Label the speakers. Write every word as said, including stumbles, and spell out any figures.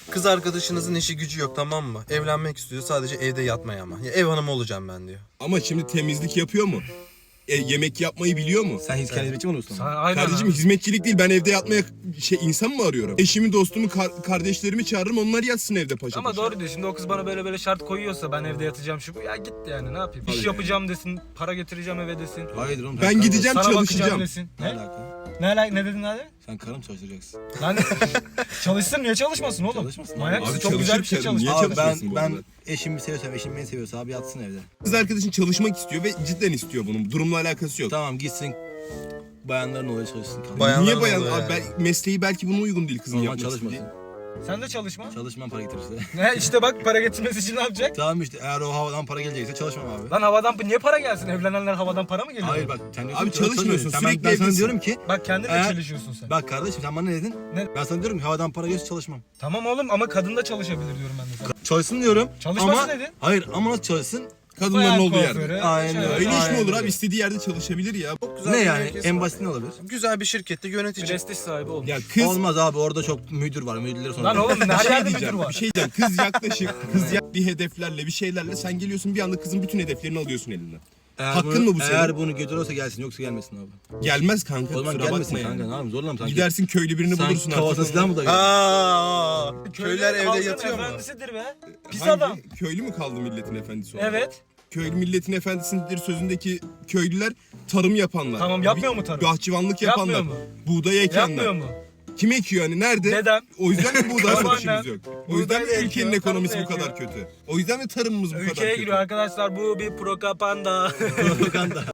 Speaker 1: Kız arkadaşınızın işi gücü yok, tamam mı? Evlenmek istiyor, sadece evde yatmaya ama. Ya ev hanımı olacağım ben diyor.
Speaker 2: Ama şimdi temizlik yapıyor mu? E, yemek yapmayı biliyor mu?
Speaker 3: Sen hiç kendi hizmetçi mi oluyorsun?
Speaker 4: Sen, aynen
Speaker 2: Kardeşim
Speaker 4: abi.
Speaker 2: hizmetçilik değil, ben evde yatmaya şey insan mı arıyorum? Eşimi, dostumu, kar- kardeşlerimi çağırırım, onlar yatsın evde paşa
Speaker 4: Ama
Speaker 2: paşa.
Speaker 4: doğru diyor. Şimdi o kız bana böyle böyle şart koyuyorsa ben evde yatacağım şu bu. Ya git yani ne yapayım? İş yapacağım desin, para getireceğim eve desin.
Speaker 3: Hayır oğlum.
Speaker 2: Ben gideceğim,
Speaker 4: Sana bakacağım
Speaker 2: çalışacağım.
Speaker 4: desin.
Speaker 3: Ne
Speaker 4: Ne?
Speaker 3: alaka?
Speaker 4: Ne, alaka- ne dedin abi?
Speaker 3: Sen karım çalıştıracaksın.
Speaker 4: Lan çalışsın niye çalışmasın oğlum?
Speaker 3: Çalışmasın
Speaker 4: Manyak
Speaker 3: abi.
Speaker 4: mısın?
Speaker 2: Abi
Speaker 4: Çok güzel bir şey
Speaker 2: çalışır
Speaker 4: çalış.
Speaker 2: Niye
Speaker 3: Abi ben
Speaker 2: çalışmasın bu
Speaker 3: ben
Speaker 2: arada?
Speaker 3: eşimi seviyorsam, eşim beni seviyorsa abi yatsın evde.
Speaker 2: Kız arkadaşın çalışmak istiyor ve cidden istiyor bunun. Durumla alakası yok.
Speaker 3: Tamam gitsin. Bayanların oluyor çalışsın. Tamam.
Speaker 1: Bayan-
Speaker 2: Niye
Speaker 1: Bayanlar
Speaker 2: bayan?
Speaker 1: oluyor
Speaker 2: Abi
Speaker 1: yani.
Speaker 2: ben- mesleği belki buna uygun değil kızın
Speaker 3: Normal
Speaker 2: yapmak
Speaker 3: çalışmasın.
Speaker 2: istediği.
Speaker 4: Sen de çalışma.
Speaker 3: Çalışmam para getirirse.
Speaker 4: Ne işte bak para getirmesi için ne yapacak?
Speaker 3: Tamam işte eğer o havadan para gelecekse çalışmam abi.
Speaker 4: Lan havadan niye para gelsin? Evlenenler havadan para mı geliyor?
Speaker 3: Hayır bak sen diyorsun
Speaker 2: Abi
Speaker 3: ki
Speaker 2: çalışmıyorsun,
Speaker 3: Sen- ben-
Speaker 2: sürekli
Speaker 3: Ben sana
Speaker 2: evdesin.
Speaker 3: diyorum ki
Speaker 4: Bak kendin de
Speaker 3: Eğer-
Speaker 4: çalışıyorsun sen.
Speaker 3: bak kardeşim sen bana ne dedin?
Speaker 4: Ne?
Speaker 3: Ben sana diyorum ki havadan para gelirse çalışmam.
Speaker 4: Tamam oğlum ama kadın da çalışabilir diyorum ben de sana.
Speaker 3: Çalışsın diyorum.
Speaker 4: Çalışmasın
Speaker 3: ama,
Speaker 4: dedin.
Speaker 3: Hayır ama nasıl çalışsın?
Speaker 2: Kadınların
Speaker 4: Bayan
Speaker 2: olduğu
Speaker 4: kuaförü,
Speaker 2: yerde.
Speaker 3: Aynen
Speaker 4: şöyle,
Speaker 3: öyle.
Speaker 2: Öyle iş mi
Speaker 4: aynen
Speaker 2: olur abi?
Speaker 4: öyle.
Speaker 2: İstediği yerde çalışabilir ya.
Speaker 1: Çok güzel
Speaker 3: Ne
Speaker 1: bir
Speaker 3: yani?
Speaker 1: mevkisi
Speaker 3: En
Speaker 1: var.
Speaker 3: basit ne olabilir?
Speaker 1: Güzel bir şirkette yönetici.
Speaker 4: Prestij sahibi olmuş.
Speaker 2: Ya kız
Speaker 3: Olmaz abi orada çok müdür var. Müdürleri sonra.
Speaker 4: Lan oğlum
Speaker 2: bir
Speaker 4: her
Speaker 2: şey
Speaker 4: yerde müdür
Speaker 2: diyeceğim.
Speaker 4: var.
Speaker 2: Bir şey diyeceğim. Kız yaklaşık. Kız yak bir hedeflerle, bir şeylerle sen geliyorsun bir anda kızın bütün hedeflerini alıyorsun elinden.
Speaker 3: Eğer
Speaker 2: Hakkın
Speaker 3: bunu,
Speaker 2: mı bu senin?
Speaker 3: Eğer bunu götürürse gelsin yoksa gelmesin abi.
Speaker 2: Gelmez kanka.
Speaker 3: O zaman
Speaker 2: kusura
Speaker 3: gelmesin
Speaker 2: bakma
Speaker 3: kanka.
Speaker 2: yani.
Speaker 3: Ne yapayım zorla mı sanki?
Speaker 2: Gidersin köylü birini
Speaker 3: Sanki
Speaker 2: bulursun
Speaker 3: kafasına
Speaker 2: artık.
Speaker 3: silah mı dayıyor?
Speaker 1: Aa, köyler evde
Speaker 4: halkın
Speaker 1: yatıyor mu?
Speaker 4: efendisidir be. Pis
Speaker 2: Hangi?
Speaker 4: adam.
Speaker 2: Köylü mü kaldı milletin efendisi olarak?
Speaker 4: Evet.
Speaker 2: Köylü milletin efendisidir sözündeki köylüler tarım yapanlar.
Speaker 4: Tamam, yapmıyor mu tarım?
Speaker 2: Bahçıvanlık yapanlar.
Speaker 4: Yapmıyor mu?
Speaker 2: Buğday ekenler.
Speaker 4: Yapmıyor mu?
Speaker 2: Kim ekiyor hani nerede?
Speaker 4: Dedem.
Speaker 2: O yüzden mi buğday
Speaker 4: Babaannem.
Speaker 2: satışımız yok? O yüzden mi
Speaker 4: Buğday da
Speaker 2: ülkenin
Speaker 4: ekiyor,
Speaker 2: ekonomisi
Speaker 4: tarım
Speaker 2: bu
Speaker 4: da
Speaker 2: kadar
Speaker 4: ekiyor.
Speaker 2: kötü? O yüzden mi tarımımız bu kadar
Speaker 4: Ülkeye
Speaker 2: kötü?
Speaker 4: giriyor arkadaşlar bu bir propaganda.
Speaker 3: Propaganda.